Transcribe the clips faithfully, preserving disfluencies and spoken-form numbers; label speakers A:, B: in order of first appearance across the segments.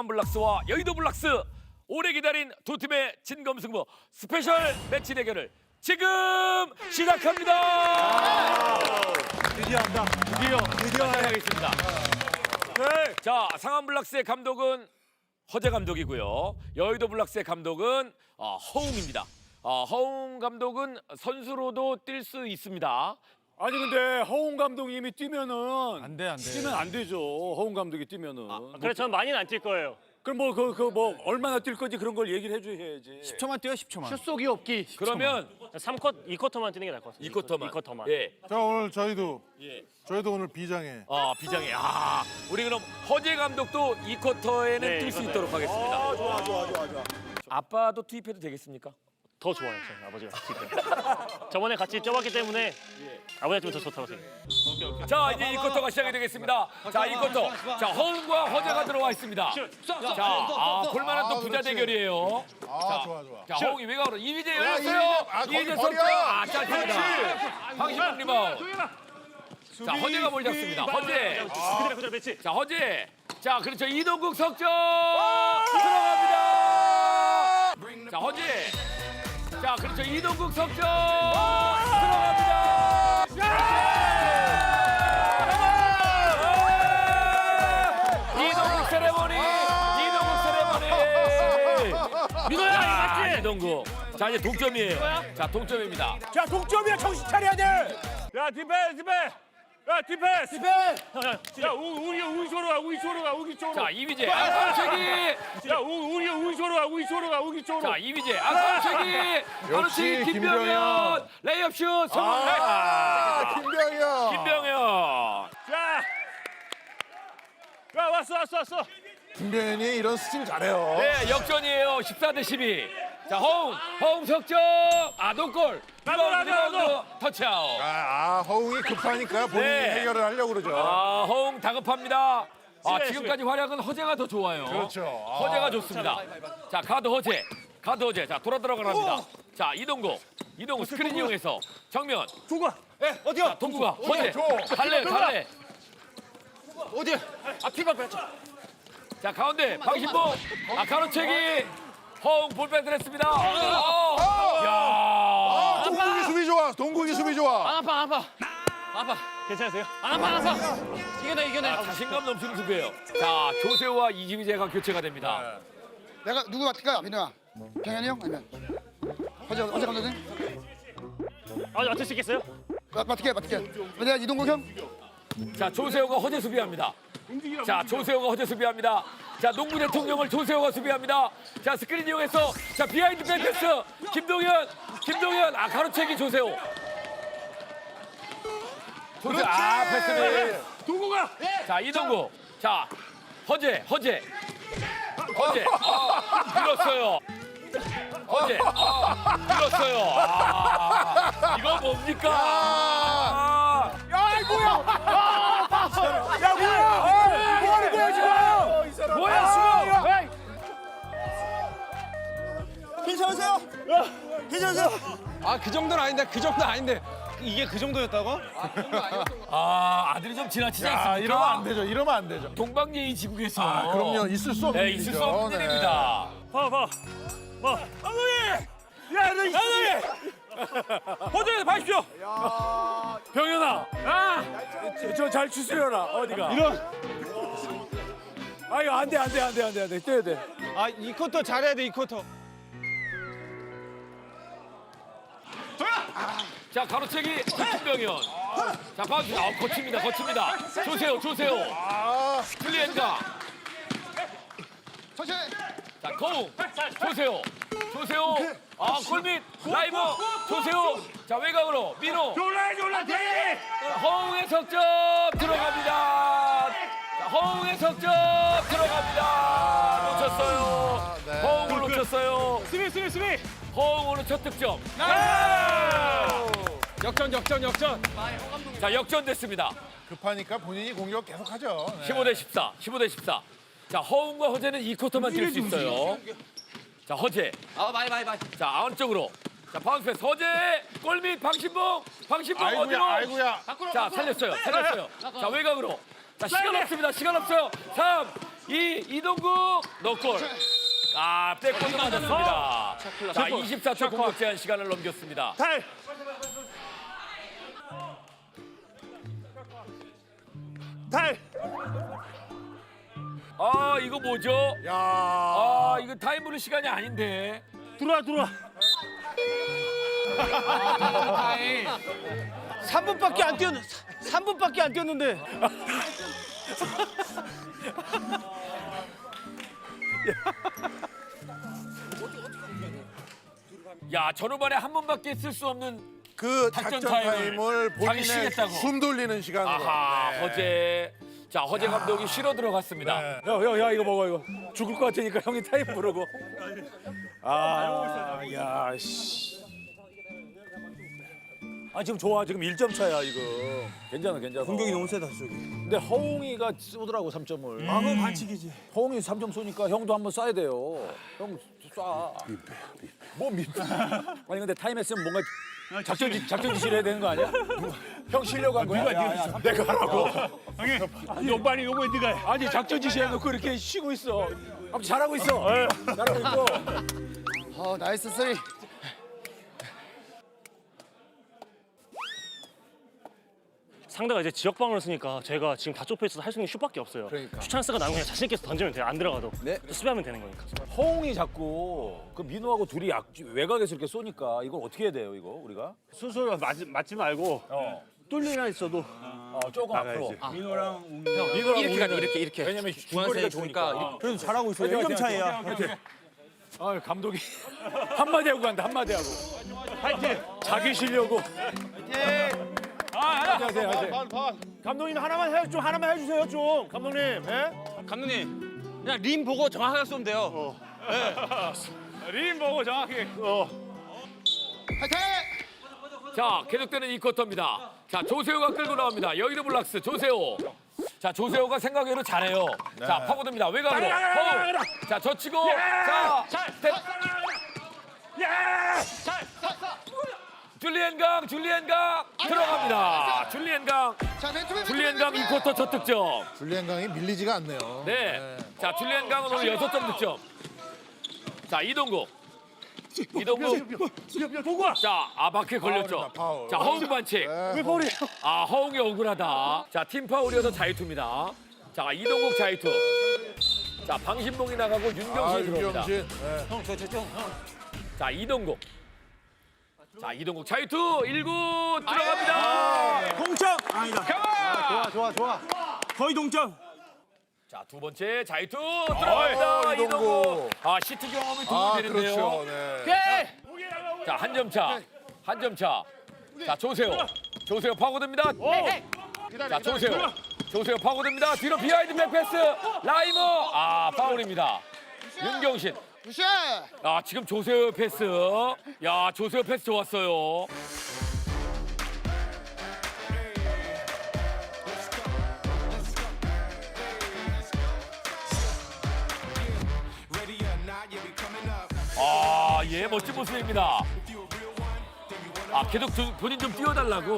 A: 상암블락스와 여의도 블락스 오래 기다린 두 팀의 진검승부 스페셜 매치 대결을 지금 시작합니다.
B: 드디어 한다.
A: 드디어 드디어 시작하겠습니다.
B: 네.
A: 자, 상암블락스의 감독은 허재 감독이고요. 여의도 블락스의 감독은 어, 허웅입니다. 어, 허웅 감독은 선수로도 뛸 수 있습니다.
B: 아니 근데 허웅 감독님이 뛰면은
C: 안 돼, 안 돼.
B: 뛰면 안 되죠. 허웅 감독이 뛰면은.
D: 아, 그래 저는 많이는 안 뛸 거예요.
B: 그럼 뭐 그 그 뭐 얼마나 뛸 건지 그런 걸 얘기를 해줘야지.
C: 십 초만 뛰어, 십 초만.
D: 슛속이 없기. 그러면 삼 쿼터, 이 쿼터만 뛰는 게 나을 것 같아요.
A: 이 쿼터만.
D: 이 쿼터만.
A: 예.
E: 자 오늘 저희도
A: 예.
E: 저희도 오늘 비장해.
A: 아, 비장해. 아, 우리 그럼 허재 감독도 이 쿼터에는
D: 네,
A: 뛸 수
D: 맞아요.
A: 있도록 하겠습니다.
B: 아 좋아 좋아 좋아 좋아.
A: 아빠도 투입해도 되겠습니까?
D: 더 좋아요, 저는 아버지가 뛸 때. 저번에 같이 뛰어봤기 때문에 아버지가 좀 더 좋다고 생각해요.
A: 자, 이제 이 쿼터가 시작이 되겠습니다. 자, 이 쿼터. 자, 허웅과 허재가 들어와 있습니다. 자, 아, 볼만한 또
E: 아,
A: 부자
E: 그렇지.
A: 대결이에요.
E: 아 좋아 좋아.
A: 자, 허웅이 외곽으로 이휘재
E: 야,
A: 열렸어요.
E: 이휘재. 아, 거기
A: 이휘재
E: 버려.
A: 선수. 아, 짧습니다. 방심봉 리바운드. 자, 허재가 볼 잡습니다. 허재.
D: 그대로 그대로 매치.
A: 자, 허재. 자, 그렇죠. 이동국 석점 들어갑니다. 자, 허재. 자, 그렇죠. 이동국 석점 들어갑니다. 이동국 세레머니. 이동국 세레머니.
D: 민호야, 이거
A: 아,
D: 맞지?
A: 이동국. 자, 이제 동점이에요. 자, 동점입니다.
B: 자 동점이야 정신 차려야 돼. 야 디펜 디펜. 야 디펜스. 디펜스. 야 우리 우리 쪽으로 가 우리 쪽으로 가 우리 쪽으로.
A: 자, 이휘재. 안선책이.
B: 야 우리 우리 쪽으로 가 우리 쪽으로 가 우리 쪽으로.
A: 자, 이휘재. 안선책이. 안선책이 김병현.
E: 김병현.
A: 레이업 슛 성공.
E: 아 김병현.
A: 김병현.
B: 자. 야 왔어 왔어 왔어.
E: 김병현이 이런 스틸 잘해요.
A: 네, 역전이에요. 십사 대 십이. 자, 허웅. 허웅 석점. 아, 노골.
B: 나도, 나도, 나도.
A: 터치아웃.
E: 아, 아 허웅이 급하니까 본인이
A: 네.
E: 해결을 하려고 그러죠.
A: 아, 허웅 다급합니다. 아,
D: 시베,
A: 지금까지 활약은 허재가 더 좋아요.
E: 그렇죠. 아.
A: 허재가 좋습니다. 자, 가드 허재. 가드 허재. 자, 돌아 들어가랍니다. 자, 이동국. 이동국 스크린 이용해서 정면.
B: 누가?
A: 예, 어디야? 동구가 허재.
E: 줘.
A: 달래, 달래.
C: 어디? 아, 피박 뺐죠.
A: 자, 가운데 방신봉. 아, 가로채기. 허웅 볼백 드렸습니다. 어, 야.
E: 아, 동국이 수비 좋아. 동국이 수비 좋아.
C: 안 아파, 안 아파. 아파.
D: 괜찮으세요?
C: 안 아파, 안 아파. 이겨내, 이겨내.
A: 아, 자신감 넘치는 수비예요. 자, 조세호와 이지휘재가 교체가 됩니다.
F: 내가 누구 맡을까요? 민호야. 병현이 형 아니면 어제 어제 감독님
D: 아, 맡을 수 있겠어요?
F: 맡- 맡을게 맡을게. 내가 이동국 형.
A: 자, 조세호가 허재 수비합니다. 자, 조세호가 허재 수비합니다. 자, 농구 대통령을 조세호가 수비합니다. 자, 스크린 이용해서 자, 비하인드 백패스 김동현, 김동현, 아, 가로채기 조세호. 조세호, 아, 패스를.
B: 누구가?
A: 자, 이동국. 자, 허재, 허재. 허재. 아, 밀었어요. 허재. 아, 밀었어요. 아, 이거 뭡니까? 아,
B: 야 뭐야? 야 뭐야? 뭐 하는 거야 지금?
A: 뭐야, 수고!
F: 괜찮으세요? 괜찮으세요?
C: 아, 그 정도는 아닌데, 그 정도는 아닌데. 이게 그 정도였다고?
A: 아, 아들이 좀 지나치지
E: 아,
A: 않습니까?
E: 이러면 안 되죠. 이러면 안 되죠.
A: 동방예의 지국에서.
E: 아, 그럼요. 있을 수 없는
A: 네, 있을 수
E: 일이죠.
A: 없는
E: 네.
A: 일입니다.
B: 봐 봐. 봐. 감독님. 야너 이. 호텔에서 봐십시오. 병현아. 아. 저 잘 추스려라. 어디가? 이런. 아 이거 안돼 안돼 안돼 안돼 안돼 뛰어야 돼.
C: 아, 이 쿼터 잘해야 돼, 이 쿼터.
A: 자, 가로채기 김병현. 자, 바운스. 아, 거칩니다, 거칩니다. 조세호, 조세호. 플리엔가.
F: 천천히.
A: 자, 거웅. 조세호. 조세호. 아, 골밑. 라이브. 조세호. 자, 외곽으로. 민호.
B: 졸라 졸라 대.
A: 자, 허웅의 석점 들어갑니다. 자, 허웅의 석점 들어갑니다. 놓쳤어요.
E: 네.
A: 허웅을 놓쳤어요.
D: 수비, 수비, 수비.
A: 허웅 오늘 첫 득점.
C: 역전, 역전, 역전.
A: 자, 역전됐습니다.
E: 급하니까 본인이 공격 계속하죠. 네.
A: 십오 대 십사. 십오 대 십사. 자, 허웅과 허재는 이 쿼터만 뛸 수 있어요. 자, 허재.
C: 아, 많이, 많이, 많이.
A: 자, 안쪽으로. 자, 바운스 패스. 허재. 골밑 방신봉. 방신봉
E: 아이고야,
A: 어디로?
E: 아이고야.
A: 자, 살렸어요. 살렸어요. 자, 외곽으로. 자, 시간 없습니다. 시간 없어요. 삼, 이 이동국 너골. 아, 백골도 맞았습니다. 자, 이십사 초 공격 제한 시간을 넘겼습니다.
B: 타임. 타임.
A: 아, 이거 뭐죠?
E: 야.
A: 아, 이거 타임으로 시간이 아닌데.
B: 들어와 들어와.
C: 삼 분밖에 안 뛰었 삼 분밖에 안 뛰었는데.
A: 야, 전후반에 한 번밖에 쓸 수 없는
E: 그
A: 작전
E: 작전
A: 타임을
E: 타임을
A: 자기
E: 본인의
A: 쉬겠다고.
E: 숨 돌리는 시간으로.
A: 아하,
E: 네.
A: 허재. 자, 허재 감독이 쉬러 들어갔습니다.
E: 네.
B: 야, 야, 야, 이거 먹어 이거. 죽을 것 같으니까 형이 타임 부르고. 아, 야, 씨. 아 지금 좋아 지금 일 점 차야 이거. 괜찮아 괜찮아.
G: 공격이 너무 세다 저기.
B: 근데 허웅이가 쏘더라고 삼 점을.
G: 아 그건 반칙이지.
B: 허웅이 삼 점 쏘니까 형도 한번 쏴야 돼요. 형 쏴. 뭐 민폐. 아니 근데 타임 했으면 뭔가 작전 지 작전 지시를 해야 되는 거 아니야? 형 쉬려고 한 거야? 야, 야, 야, 내가 하라고.
D: 아니 오빠 아니 요거 네가 해.
B: 아니 작전 지시 해놓고 이렇게 쉬고 있어. 아무튼 잘하고 있어. 잘하고 있고.
F: 어 나이스 쓰리.
D: 상대가 이제 지역방어를 쓰니까 제가 지금 다 좁혀 있어서 할 수 있는 슛밖에 없어요.
E: 그러니까.
D: 슛 찬스가 나면 그냥 자신 있게 던지면 돼요. 안 들어가도.
B: 네.
D: 수비하면 되는 거니까.
B: 허웅이 자꾸 그 민호하고 둘이 약, 외곽에서 이렇게 쏘니까 이걸 어떻게 해야 돼요 이거 우리가?
D: 순서를 맞지, 맞지 말고
B: 어.
D: 뚫리나 있어도
B: 어 조금 앞으로.
G: 민호랑 웅.
B: 민호랑
C: 이렇게 가야 돼,
B: 우리는
C: 이렇게, 이렇게.
B: 왜냐면
C: 중앙선에
B: 중거리가 좋으니까.
G: 그래도 잘하고 있어. 일 점 차이야.
B: 아 감독이 한마디 하고 간다 한마디 하고. 파이팅. 자기 쉬려고. 아, 하세요, 하세요.
G: 감독님 하나만 해, 좀 하나만 해주세요 좀. 감독님. 예?
C: 감독님 그냥 림 보고 정확하게 쏘면 돼요.
D: 림 보고 정확히.
F: 파이팅!
A: 자, 계속되는 이 쿼터입니다. 자, 조세호가 끌고 나옵니다. 여의도 블락스 조세호. 자, 조세호가 생각외로 잘해요. 자, 파고듭니다. 외곽으로. 허우. 자, 젖히고. 자, 스텝. 줄리엔 강, 줄리엔 강 들어갑니다. 줄리엔 강,
F: 자 맨투맨
A: 줄리엔 강 이 쿼터 첫 득점.
E: 줄리안 강이 밀리지가 않네요.
A: 네. 자, 줄리엔 강은 오늘 여섯 점 득점. 자, 이동국. 이동국. 자, 아바케 걸렸죠.
E: 파울입니다, 파울.
A: 자, 허웅 반칙.
E: 왜 파울이에요?
A: 아, 허웅이 억울하다. 자, 팀 파울이어서 자유투입니다. 자, 이동국 자유투. 자, 방신봉이 나가고
E: 아,
A: 윤경신이 들어옵니다.
E: 윤경신. 네.
A: 자, 이동국. 자, 이동국 자유투 일 구 들어갑니다.
G: 동점. 아니다. 좋아 좋아 좋아. 거의 동점.
A: 자, 두 번째 자유투 들어갑니다.
E: 이동국.
A: 이동국. 아, 시트 경험이 도움이
E: 아,
A: 되는데요.
E: 그렇죠. 네.
A: 자, 한 점 차. 한 점 차. 자, 조세호. 조세호 파고듭니다. 자, 조세호. 조세호 파고듭니다. 뒤로 비하인드 백패스. 라이머. 아, 파울입니다. 윤경신.
F: 굿샷!
A: 아, 지금 조세호 패스. 야, 조세호 패스 좋았어요. 아, 예, 멋진 모습입니다. 아, 계속 두- 본인 좀 뛰어달라고.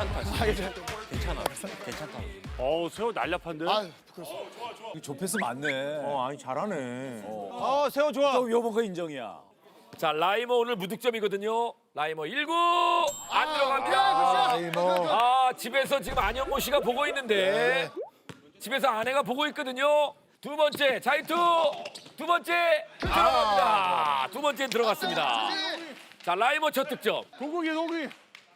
D: 어우 세호 날렵한데.
F: 아
B: 조패스 맞네.
G: 어 아니 잘하네.
B: 어 세호 좋아. 저 요번 거 인정이야.
A: 자, 라이머 오늘 무득점이거든요. 라이머 일 구 안 들어갑니다.
E: 아, 이 뭐.
A: 아, 집에서 지금 안영모 씨가 보고 있는데 집에서 아내가 보고 있거든요. 두 번째 자이투 두 번째 들어갑니다. 두 번째 들어갔습니다. 자, 라이머 첫 득점.
D: 동국이 동국이.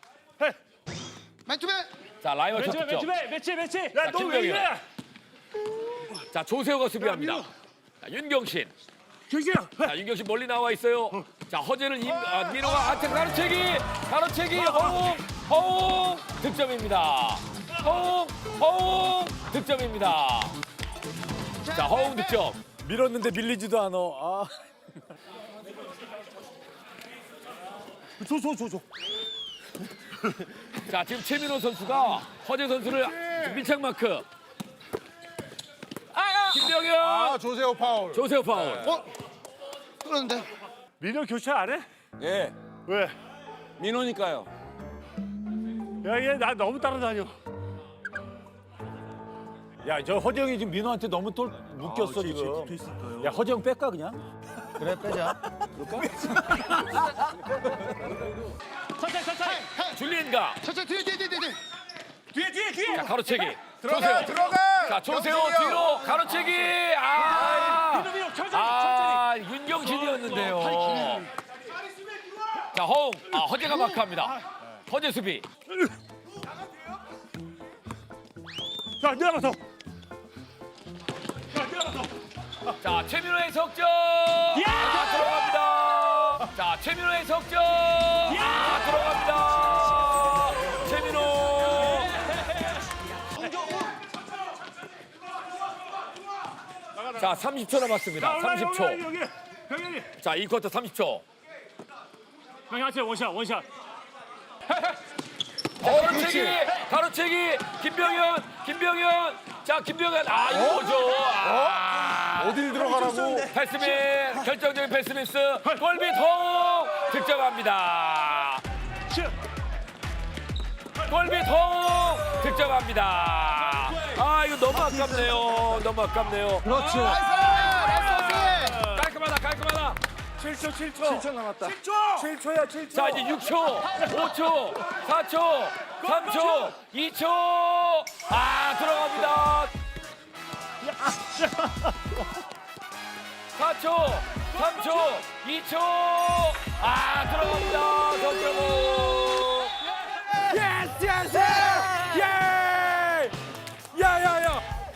F: 맨투맨!
A: 자, 라이머 첫 득점.
D: 매치 매치.
A: 자, 김병현. 자, 조세호가 수비합니다. 자, 윤경신. 자, 윤경신 멀리 나와 있어요. 자, 허재를 임, 아, 민호가 한테 가로채기, 가로채기, 허웅, 허웅 득점입니다. 허웅, 허웅 득점입니다. 자, 허웅 득점.
B: 밀었는데 밀리지도 않아. 아.
G: 줘줘 줘 줘.
A: 자, 지금 최민호 선수가 허재 선수를 밀착 마크. 김병현,
E: 아, 조세호 파울.
A: 조세호 파울.
F: 어? 그런데
D: 민호 교체 안 해?
C: 예.
D: 왜?
C: 민호니까요.
D: 야 얘 나 너무 따라다녀.
B: 야, 저 허정이 지금 민호한테 너무 또 묶였어 지금. 야, 허정 뺄까 그냥?
E: 그래 빼자.
D: 천천히 천천히.
A: 줄리엔가.
F: 천천히 뒤에 뒤에 뒤에 뒤에.
B: 뒤에 뒤에 뒤에.
A: 자, 가로채기.
E: 들어가
A: 조세호.
E: 들어가.
A: 자, 조세호
E: 경진이 형.
A: 뒤로 가로채기. 아,
B: 민호 민호 천천히 천천히.
A: 아, 윤경신이었는데요. 자, 허웅. 아, 허재가 마크합니다. 허재 수비.
B: 자, 내려가서.
A: 자, 최민호의 석점. 아, 들어갑니다. 자, 최민호의 석점. 아, 들어갑니다. 최민호. 자, 삼십 초 남았습니다. 삼십 초.
B: 여기 병현이.
A: 자, 이 쿼터 삼십 초.
D: 형이 하체 원샷 원샷.
A: 자, 가로채기, 가로채기, 김병현, 김병현. 자, 김병현. 아, 이거죠. 아,
E: 어딜 들어가라고?
A: 패스민, 결정적인 패스미스. 골밑 허웅 득점합니다. 골밑 허웅 득점합니다. 아, 이거 너무 아깝네요. 너무 아깝네요.
E: 그렇지.
A: 깔끔하다, 깔끔하다.
B: 칠 초 칠 초.
E: 칠 초 남았다.
B: 칠 초. 칠 초야 칠 초.
A: 자, 이제 육 초, 오 초, 사 초, 삼 초, 이 초. 아, 들어갑니다. 사 초, 삼 초, 이 초. 아, 들어갑니다. 석점호.
B: 예스 예스. 예. 야야야.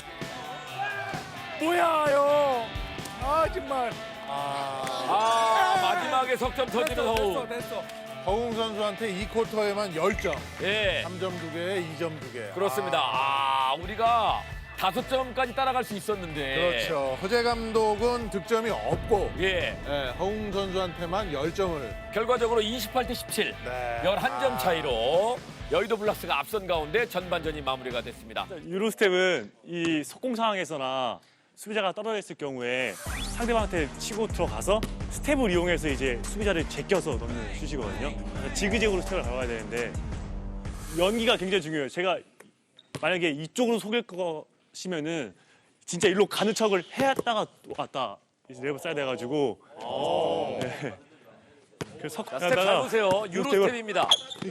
B: 뭐야 요. 아 정말.
A: 아, 마지막에 석점 터지는 허웅.
B: 됐어.
E: 허웅 선수한테 이 쿼터에만 십 점.
A: 예,
E: 삼 점 두 개, 이 점 두 개.
A: 그렇습니다. 아, 우리가 다섯 점까지 따라갈 수 있었는데.
E: 그렇죠. 허재 감독은 득점이 없고
A: 예,
E: 예, 허웅 선수한테만 십 점을.
A: 결과적으로 이십팔 대 십칠.
E: 네.
A: 열한 점 차이로 여의도 블락스가 앞선 가운데 전반전이 마무리가 됐습니다.
H: 유로스텝은 이 속공 상황에서나 수비자가 떨어져 있을 경우에 상대방한테 치고 들어가서 스텝을 이용해서 이제 수비자를 제껴서 넣는 슛이거든요. 그래서 지그재그로 스텝을 밟아야 되는데 연기가 굉장히 중요해요. 제가 만약에 이쪽으로 속일 것이면은 진짜 일로 가는 척을 해야다가 왔다 레버 써야 돼가지고. 네. 그래서 석
A: 자, 스텝 잘 보세요. 유로 스텝입니다.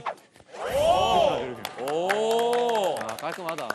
A: 오.
C: 아, 깔끔하다.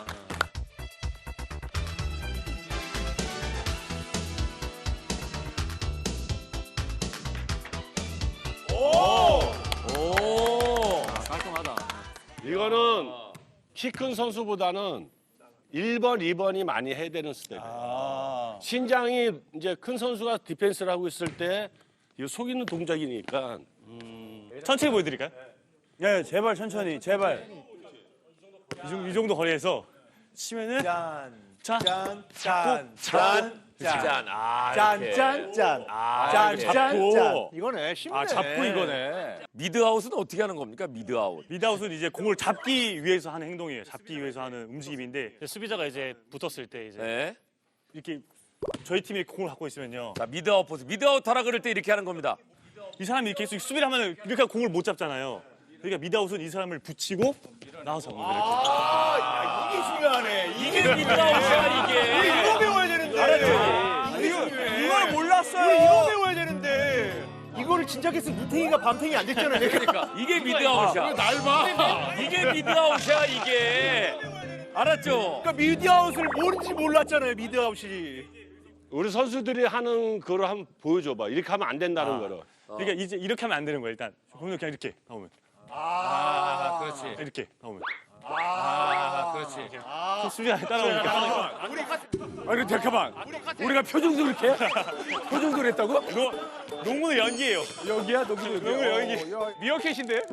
A: 오.
C: 깔끔하다.
I: 이거는 키 큰 선수보다는 일 번, 이 번이 많이 해야 되는 스텝이에요. 신장이 이제 큰 선수가 디펜스를 하고 있을 때 이거 속이는 동작이니까
H: 천천히 보여드릴까요?
B: 야 제발 천천히 제발.
H: 이 정도, 이 정도 거리에서 치면은
B: 짠.
H: 자
B: 짠.
H: 짠.
B: 짠.
A: 짠. 아,
B: 짠.
A: 이렇게.
B: 짠. 짠.
A: 아,
B: 짠.
A: 이렇게.
B: 짠.
H: 잡고.
B: 짠. 이거네. 쉽네.
H: 아 잡고 이거네.
A: 미드아웃은 어떻게 하는 겁니까? 미드아웃.
H: 미드아웃은 이제 공을 잡기 위해서 하는 행동이에요. 잡기 위해서 하는 움직임인데
D: 수비자가 이제 붙었을 때 이제
A: 네.
H: 이렇게 저희 팀이 공을 갖고 있으면요.
A: 자, 미드아웃 포즈. 미드아웃 하라 그럴 때 이렇게 하는 겁니다.
H: 이 사람이 이렇게 계속 수비를 하면 이렇게 공을 못 잡잖아요. 그러니까 미드아웃은 이 사람을 붙이고 나와서 잡는 거예요.
B: 이게 중요하네.
A: 이게 미드아웃이야, 이게.
B: 이거 배워야 되는데. 알았죠? 이거, 이걸 몰랐어요. 이거 배워야 되는데. 이거를 진작했으면 무탱이가 밤탱이 안 됐잖아요.
A: 그러니까 이게 미드아웃이야. 날 봐. 이게 미드아웃이야, 이게. 알았죠?
B: 그러니까 미드아웃을 뭔지 몰랐잖아요. 미드아웃이.
I: 우리 선수들이 하는 거를 한번 보여줘봐. 이렇게 하면 안 된다는 거를.
H: 그러니까 이제 이렇게 하면 안 되는 거예요. 일단 보면 그냥 이렇게 나오면
A: 아, 그렇지.
H: 이렇게 나오면
A: 아, 그렇지.
H: 수비가 따라오니까 하는 거.
B: 아니 잠깐만. 우리가 표정도 이렇게 해? 표정도 했다고?
H: 이거 농구는 연기예요.
B: 여기야 너기
H: 농구 연기.
B: 미어캣인데?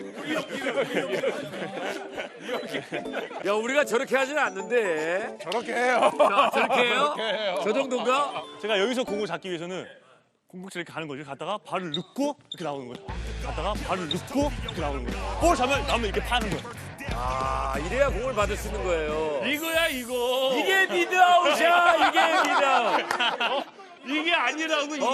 A: 야, 우리가 저렇게 하지는 않는데.
E: 저렇게 해요.
A: 자, 저렇게 해요?
E: 저렇게 해요.
A: 저 정도인가?
H: 제가 여기서 공을 잡기 위해서는 공격질 이렇게 가는 거죠. 갔다가 발을 넣고 이렇게 나오는 거예요. 갔다가 발을 넣고 이렇게 나오는 거예요. 볼 잡으면 나오면 이렇게 파는 거예요.
A: 아, 이래야 공을 받을 수 있는 거예요.
H: 이거야 이거.
A: 이게 미드아웃이야, 이게 미드아웃.
H: 이게 아니라고 이게.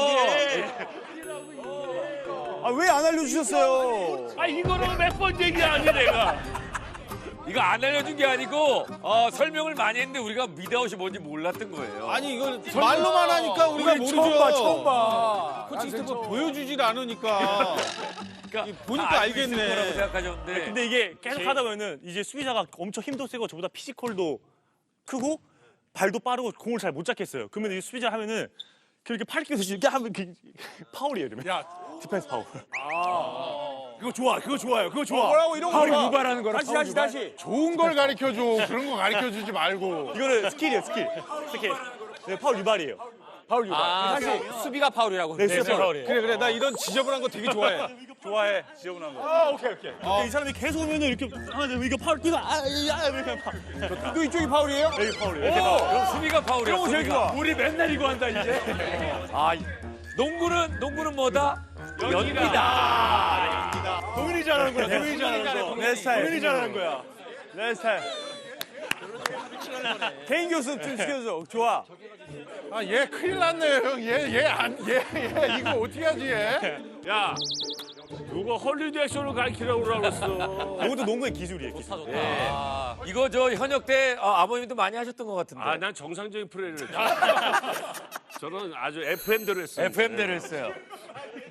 B: 아 왜 안 알려주셨어요?
H: 아 이거는 몇 번 얘기하니 내가.
A: 이거 안 알려준 게 아니고 어, 설명을 많이 했는데 우리가 미드아웃이 뭔지 몰랐던 거예요.
G: 아니 이걸 말로만 하니까 우리가
B: 우리
G: 모르죠.
B: 처음 봐, 처음 봐.
G: 코치 뭐 보여주질 않으니까.
A: 그러니까
G: 보니까
A: 다
G: 알겠네.
A: 알고 있을 거라고 생각하셨는데.
H: 근데 이게 계속 하다 보면은 이제 수비자가 엄청 힘도 세고 저보다 피지컬도 크고 발도 빠르고 공을 잘 못 잡겠어요. 그러면 이 수비자 하면은 그렇게 팔 끼면서 이렇게 하면 그 파울이에요, 이러면.
B: 야,
H: 디펜스 파울.
B: 그거 좋아, 그거 좋아요, 그거 좋아.
G: 뭐라고 이런 거
B: 파울
G: 봐.
B: 유발하는 거라.
G: 다시 다시 다시.
E: 좋은 걸 가르쳐 줘. 그런 거 가르쳐 주지 말고.
H: 이거는 스킬이에요, 스킬. 스킬. 네, 파울 유발이에요.
B: 파울 유발.
G: 사실
C: 수비가 파울이라고.
H: 네, 수비 파울이에요.
G: 그래 그래 나 이런 지저분한 거 되게 좋아해.
H: 좋아해, 지저분한 거.
B: 아, 오케이, 오케이.
H: 근데 이 사람이 계속 오면은 이렇게 하면 이거 파울 뛰다 아, 야, 이렇게 파울.
G: 또 이쪽이 파울이에요?
H: 여기 파울이에요. 이렇게
A: 오, 그럼 수비가 파울이야.
B: 그런 거 제일
A: 수비가.
B: 좋아. 우리 맨날 이거 한다 이제.
A: 아, 이- 농구는 농구는 뭐다? 연기다.
B: 동현이 잘하는 거야, 동현이 잘하는 거.
H: 내 스타일.
B: 동현이 잘하는 거야.
H: 내 스타일.
G: 개인 교습 좀 시켜줘. 좋아.
E: 아, 얘 큰일 났네요, 형. 얘, 얘 안, 얘, 얘 이거 어떻게 하지, 얘?
I: 야, 누가 헐리우드 액션을 가르치라고 그러겠어.
H: 이것도 농구의 기술이에요, 기술.
A: 이거 저 현역 때 아, 아버님도 많이 하셨던 것 같은데.
I: 아, 난 정상적인 플레이를 했죠. 저는 아주 에프엠대로 했어요.
A: 에프엠대로 했어요.